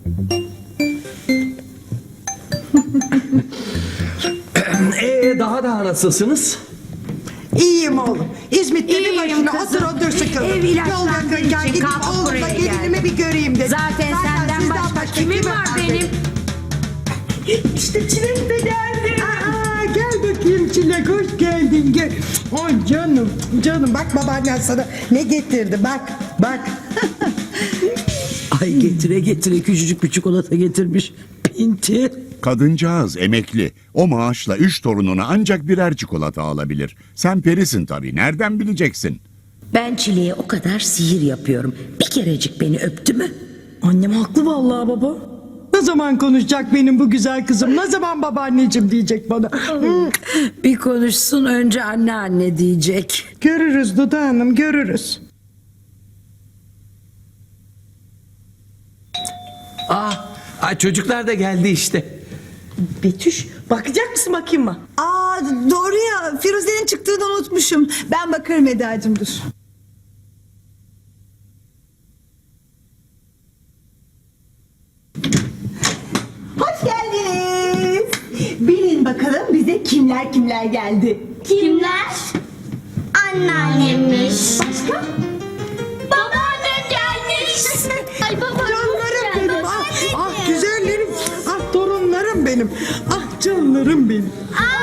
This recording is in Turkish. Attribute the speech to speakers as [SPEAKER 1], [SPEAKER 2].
[SPEAKER 1] Daha nasılsınız?
[SPEAKER 2] İyiyim oğlum. İzmit'te bir
[SPEAKER 3] İyiyim
[SPEAKER 2] başına
[SPEAKER 3] kızım.
[SPEAKER 2] otur sıkıldım.
[SPEAKER 3] Ev ilaçlandığı
[SPEAKER 2] Yol yakınken
[SPEAKER 3] için
[SPEAKER 2] gidip
[SPEAKER 3] kalkıp
[SPEAKER 2] oğlumla
[SPEAKER 3] buraya
[SPEAKER 2] gelinimi
[SPEAKER 3] geldim.
[SPEAKER 2] bir göreyim dedim.
[SPEAKER 3] Zaten senden
[SPEAKER 2] sizden
[SPEAKER 3] başka kimim var benim?
[SPEAKER 2] İşte Çilek de geldi. Aa, gel bakayım Çilek, hoş geldin. Gel. Ay canım, canım bak babaannen sana ne getirdi, bak.
[SPEAKER 4] Ay getire getire küçücük bir çikolata getirmiş. Pinti.
[SPEAKER 5] Kadıncağız emekli. O maaşla 3 torununa ancak birer çikolata alabilir. Sen perisin tabii. Nereden bileceksin?
[SPEAKER 4] Ben Çile'ye o kadar sihir yapıyorum. Bir kerecik beni öptü mü?
[SPEAKER 6] Annem haklı vallahi baba. Ne zaman konuşacak benim bu güzel kızım? Ne zaman babaanneciğim diyecek bana?
[SPEAKER 4] Bir konuşsun önce anne diyecek.
[SPEAKER 2] Görürüz Dudu Hanım, görürüz.
[SPEAKER 1] Çocuklar da geldi işte.
[SPEAKER 6] Betüş bakacak mısın bakayım mı?
[SPEAKER 7] Aa, doğru ya, Firuze'nin çıktığını unutmuşum. Ben bakarım Eda'cığım, dur. Hoş geldiniz. Bilin bakalım bize kimler geldi.
[SPEAKER 8] Kimler? Anneannemmiş.
[SPEAKER 7] Başka?
[SPEAKER 8] Babaannem gelmiş. Ay babaannem
[SPEAKER 2] Canlarım
[SPEAKER 8] geldi.
[SPEAKER 2] benim, ah güzellerim, ah torunlarım benim, ah canlarım benim.